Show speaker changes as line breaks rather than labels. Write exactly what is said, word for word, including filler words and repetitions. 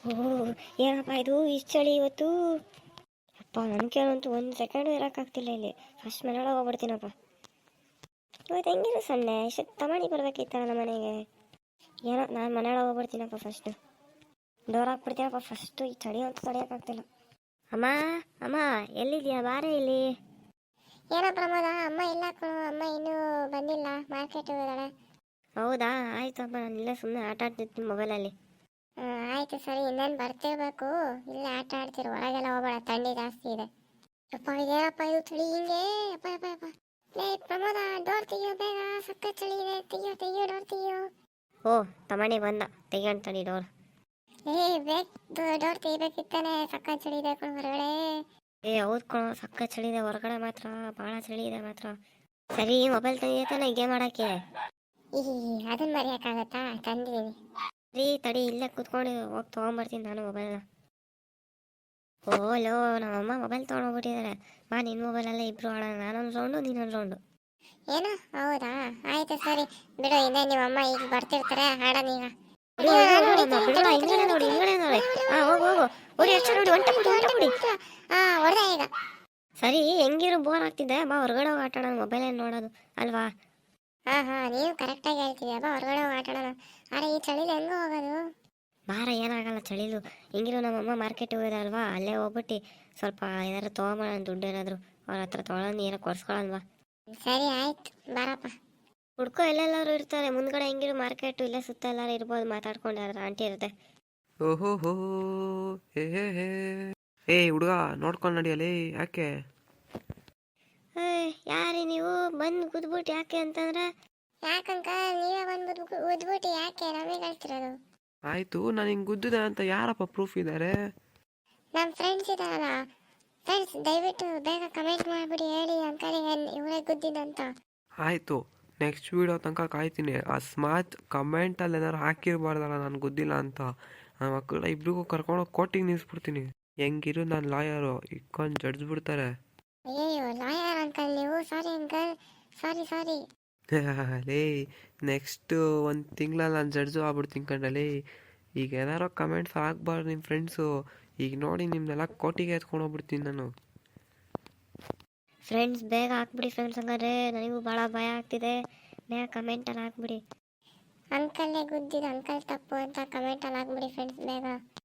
ಓಹ್ ಏನಪ್ಪ ಇದು ಇಷ್ಟು ಚಳಿ ಇವತ್ತು. ಅಪ್ಪ ನನಗೇನಂತೂ ಒಂದು ಸೆಕೆಂಡು ಇರೋಕ್ಕಾಗ್ತಿಲ್ಲ ಇಲ್ಲಿ. ಫಸ್ಟ್ ಮನೆಯೊಳಗೆ ಹೋಗ್ಬಿಡ್ತೀನಪ್ಪ. ಇವತ್ತು ಹೆಂಗಿರೋ ಸಂಡೆ ಇಷ್ಟು ತಮಾಣಿ ಬರ್ಬೇಕಿತ್ತಲ್ಲ ನಮ್ಮ ಮನೆಗೆ. ಏನೋ ನಾನು ಮನೆಯೊಳಗೆ ಹೋಗ್ಬಿಡ್ತೀನಪ್ಪ ಫಸ್ಟು. ಡೋರ್ ಹಾಕ್ಬಿಡ್ತೀನಪ್ಪ ಫಸ್ಟು. ಈ ಚಳಿ ಅಂತೂ ತಡೆಯೋಕ್ಕಾಗ್ತಿಲ್ಲ. ಅಮ್ಮ ಅಮ್ಮ ಎಲ್ಲಿದ್ಯಾ ಬಾರೇ ಇಲ್ಲಿ.
ಏನೋ ಪ್ರಮೋದ, ಅಮ್ಮ ಇಲ್ಲ ಕಣೋ, ಅಮ್ಮ ಇನ್ನೂ ಬಂದಿಲ್ಲ, ಮಾರ್ಕೆಟ್ ಹೋಗಿದ್ದಾಳೆ.
ಹೌದಾ ಆಯ್ತಪ್ಪ, ನಾನು ಇಲ್ಲೇ ಸುಮ್ಮನೆ ಆಟ ಆಡ್ತಿರ್ತೀನಿ ಮೊಬೈಲಲ್ಲಿ.
ಹ್ಞೂ ಆಯಿತು ಸರಿ, ಇನ್ನೇನು ಬರ್ತಿರ್ಬೇಕು. ಇಲ್ಲೇ ಆಟ ಆಡ್ತಿರು, ಹೊರಗೆಲ್ಲ ಹೋಗಬೇಡ, ಥಂಡಿ ಜಾಸ್ತಿ ಇದೆ. ಅಪ್ಪ ಇದೇನಪ್ಪ ಇದು ಚಳಿ ಹಿಂಗೆ. ಅಪ್ಪ ಅಪ್ಪ ಅಪ್ಪ ಲೇ ಪ್ರಮೋದ, ಡೋರ್ ತೆಗಿಯೋ ಬೇಗ, ಸಕ್ಕ ಚಳಿ ಇದೆ, ತೆಗಿಯೋ ತೆಗಿಯೋ ಡೋರ್ ತೆಗಿಯೋ.
ಓ ತಮಣಿ ಬಂದ, ತೆಗಿಯಂತಾನೆ ಡೋರ್.
ಏ ಬೇಕು ಡೋರ್ ತೆಗಿಬೇಕಿತ್ತಾನೆ, ಸಕ್ಕ ಚಳಿ ಇದೆ ಕಣೋ ಹೊರಗಡೆ.
ಏ ಹೌದು ಕಣೋ, ಸಕ್ಕ ಚಳಿ ಇದೆ ಹೊರಗಡೆ ಮಾತ್ರ, ಭಾಳ ಚಳಿ ಇದೆ ಮಾತ್ರ. ಸರಿ ಮೊಬೈಲ್ ತೆಗಿಯತ್ತಾನೆ ಗೇಮ್ ಮಾಡೋಕ್ಕೆ.
ಈ ಅದನ್ನ ಮರೆಯೋಕ್ಕಾಗತ್ತಾ, ತಂದಿದ್ದೀನಿ.
ರೀ ತಡಿ, ಇಲ್ಲೇ ಕೂತ್ಕೊಂಡು ಹೋಗಿ ತೊಗೊಂಬರ್ತೀನಿ ನಾನು ಮೊಬೈಲ್ನ. ಓ ಲೋ ನಮ್ಮಮ್ಮ ಮೊಬೈಲ್ ತೊಗೊಂಡೋಗ್ಬಿಟ್ಟಿದ್ದಾರೆ. ಬಾ ನಿನ್ನ ಮೊಬೈಲಲ್ಲೇ ಇಬ್ಬರು ಆಡೋಣ, ನಾನೊಂದು ರೌಂಡು ನೀನೊಂದು ರೌಂಡು.
ಏನು ಹೌದಾ, ಆಯ್ತು ಸರಿ ಬಿಡು, ಇನ್ನೇ ನಿಮ್ಮಮ್ಮ ಈಗ ಬರ್ತಿರ್ತಾರೆ, ಆಡೋಣ ಈಗ.
ಹಿಂಗಡೆ ನೋಡಿ ಹಿಂಗಡೆ ನೋಡಿ. ಹಾ ಹೋಗು ಹೋಗು, ಹೊಡಿ ಅಷ್ಟು ನೋಡಿ, ಒಂಟ ಬಿಡಿ ಒಂಟ ಬಿಡಿ.
ಹಾ ಹೊಡೆದ ಈಗ.
ಸರಿ ಹೆಂಗಿರು ಬೋರ್ ಆಗ್ತಿದ್ದೆ, ಬಾ ಹೊರಗಡೆ ಹೋಗಿ ಆಟ ಆಡೋಣ, ಮೊಬೈಲ್ ಏನು ನೋಡೋದು ಅಲ್ವಾ.
ಹಾ ಹಾ ನೀವು ಕರೆಕ್ಟಾಗಿ ಹೇಳ್ತಿದ್ಯಾ, ಬಾ ಹೊರಗಡೆ ಹೋಗಿ ಆಟ ಆಡೋಣ. ಅರೆ ಈ ಚಳಿಲಿ ಹೆಂಗೆ ಹೋಗೋದು.
ಬಾರ ಏನಾಗಲ್ಲ ಚಳಿಲು. ಹೆಂಗಿರು ನಮ್ಮಮ್ಮ ಮಾರ್ಕೆಟಿಗೆ ಹೋಗಿದಾರಲ್ವಾ, ಅಲ್ಲೇ ಹೋಗ್ಬಿಟ್ಟು ಸ್ವಲ್ಪ ಏನಾರು ತೊಗೊಂಬೋಣ, ದುಡ್ಡು ಏನಾದ್ರು ಅವ್ರ ಹತ್ರ ತೊಗೊಳೋದು, ಏನೋ ಕೊಡ್ಸ್ಕೊಳಲ್ವಾ.
ಸರಿ ಆಯ್ತು ಬಾರಪ್ಪ.
ಹುಡ್ಕೋ ಎಲ್ಲೆಲ್ಲರೂ ಇರ್ತಾರೆ ಮುಂದ್ಗಡೆ. ಹೆಂಗಿರು ಮಾರ್ಕೆಟು ಇಲ್ಲೇ ಸುತ್ತ ಎಲ್ಲರೂ ಇರ್ಬೋದು, ಮಾತಾಡ್ಕೊಂಡು ಯಾರು ಆಂಟಿ ಇರುತ್ತೆ.
ಓಹೋ ಹೋ ಹೇ ಹೇ ಹೇ ಏ ಹುಡುಗ ನೋಡ್ಕೊಂಡು ನಡಿಯಲೇ. ಯಾಕೆ
ಯಾರಿ ನೀವು ಬಂದು ಕುದ್ಬಿಟ್ಟು ಯಾಕೆ ಅಂತಂದ್ರೆ.
ಯಾಕಂಕ ನೀವೇ ಬಂದು ಉದ್ಬಿಟ್ಟು ಯಾಕೆ ನಮಗೆ ಹೇಳ್ತಿರೋದು.
ಆಯ್ತು, ನಾನು ಹಿಂಗೆ ಗುದ್ದಿದೆ ಅಂತ ಯಾರಪ್ಪ ಪ್ರೂಫ್ ಇದ್ದಾರೆ?
ನಮ್ಮ ಫ್ರೆಂಡ್ಸ್ ಇದಾರಲ್ಲ, ಫ್ರೆಂಡ್ಸ್ ದಯವಿಟ್ಟು ಬೇಗ ಕಮೆಂಟ್ ಮಾಡಿಬಿಡಿ, ಹೇಳಿ ಅಂಕಲ್ ಇವರೇ ಗುದ್ದಿದಂತ.
ಆಯಿತು, ನೆಕ್ಸ್ಟ್ ವೀಡಿಯೋ ತನಕ ಕಾಯ್ತೀನಿ. ಅಸ್ಮಾತ್ ಕಮೆಂಟಲ್ಲಿ ಏನಾರು ಹಾಕಿರ್ಬಾರ್ದಲ್ಲ ನಾನು ಗುದ್ದಿಲ್ಲ ಅಂತ. ಆ ಮಕ್ಕಳ ಇಬ್ರಿಗೂ ಕರ್ಕೊಂಡೋಗಿ ಕೋರ್ಟಿಗೆ ನಿಲ್ಲಿಸ್ಬಿಡ್ತೀನಿ. ಹೆಂಗಿರು ನಾನು ಲಾಯರು, ಇಕ್ಕೊಂಡು ಜಡ್ಜ್ ಬಿಡ್ತಾರೆ.
ಅಯ್ಯೋ ಲಾಯರ್ ಅಂಕಲ್ ನೀವು, ಸಾರಿ ಅಂಕಲ್, ಸಾರಿ ಸಾರಿ.
ಲೇ ನೆಕ್ಸ್ಟ್ ಒಂದು ತಿಂಗಳಲ್ಲಿ ನಾನು ಜಡ್ಜು ಆಗ್ಬಿಡ್ತೀನಿ ಕಂಡಲೇ. ಈಗ ಏನಾರೋ ಕಮೆಂಟ್ಸ್ ಹಾಕ್ಬಾರ್ದು ನಿಮ್ಮ ಫ್ರೆಂಡ್ಸು. ಈಗ ನೋಡಿ ನಿಮ್ಮನ್ನೆಲ್ಲ ಕೋರ್ಟಿಗೆ ಎತ್ಕೊಂಡು ಹೋಗ್ಬಿಡ್ತೀನಿ ನಾನು.
ಫ್ರೆಂಡ್ಸ್ ಬೇಗ ಹಾಕ್ಬಿಡಿ ಫ್ರೆಂಡ್ಸ್, ಹಂಗಾದ್ರೆ ನನಗೂ ಭಾಳ ಭಯ ಆಗ್ತಿದೆ. ಬೇಗ ಕಮೆಂಟಲ್ಲಿ ಹಾಕ್ಬಿಡಿ.
ಅಂಕಲ್ಲೇ ಗುದ್ದಿದ್ದು ಅಂಕಲ್ ತಪ್ಪು ಅಂತ ಕಮೆಂಟಲ್ಲಿ ಹಾಕ್ಬಿಡಿ ಫ್ರೆಂಡ್ಸ್ ಬೇಗ.